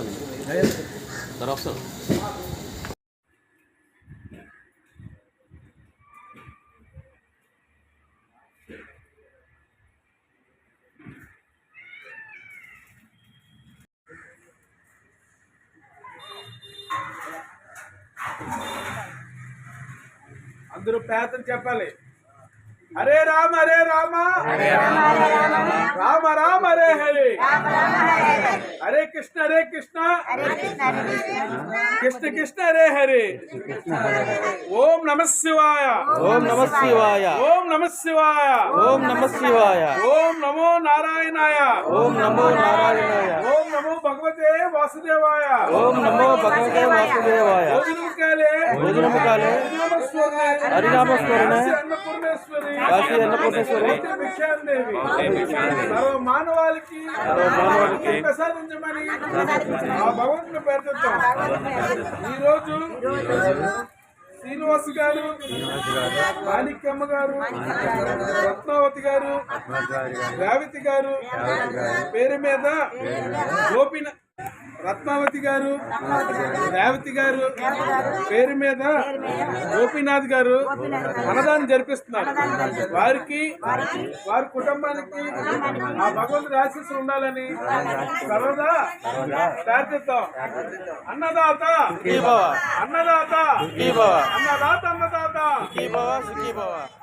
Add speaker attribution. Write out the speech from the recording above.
Speaker 1: వస్తాను.
Speaker 2: అందరూ పేదలు చెప్పాలి. హరే రామ హరే రామ రామ రామ హరే హరే, హరే కృష్ణ కృష్ణ కృష్ణ హరే హరే. ఓం నమ శివాయ,
Speaker 1: ఓం నమ శివాయ,
Speaker 2: ఓం నమ శివాయ,
Speaker 1: ఓం నమ శివాయ,
Speaker 2: ఓం నమో నారాయణాయ,
Speaker 1: ఓం నమో నారాయణాయ,
Speaker 2: ఓం నమో భగవతే వాసుదేవాయ,
Speaker 1: ఓం నమో భగవతే వాసుదేవాయ. భోజనము కాలే హరినామస్మరణ కాశీ అన్నపూర్ణేశ్వరి
Speaker 2: సర్వ మానవాళికి ప్రసాదించమని ఆ భగవంతుని పేర్కొంటాం. ఈరోజు శ్రీనివాస్ గారు, మాణిక్యమ్మ గారు, రత్నావతి గారు, రేవతి గారు పేరు మీద రత్నావతి గారు, రేవతి గారు పేరు మీద గోపీనాథ్ గారు అన్నదానం జరిపిస్తున్నారు. వారికి వారి కుటుంబానికి ఆ భగవంతుడి ఆశీస్సులు ఉండాలని సర్వదా ప్రార్థిద్దాం. అన్నదాత అన్నదాత అన్నదాత అన్నదాత.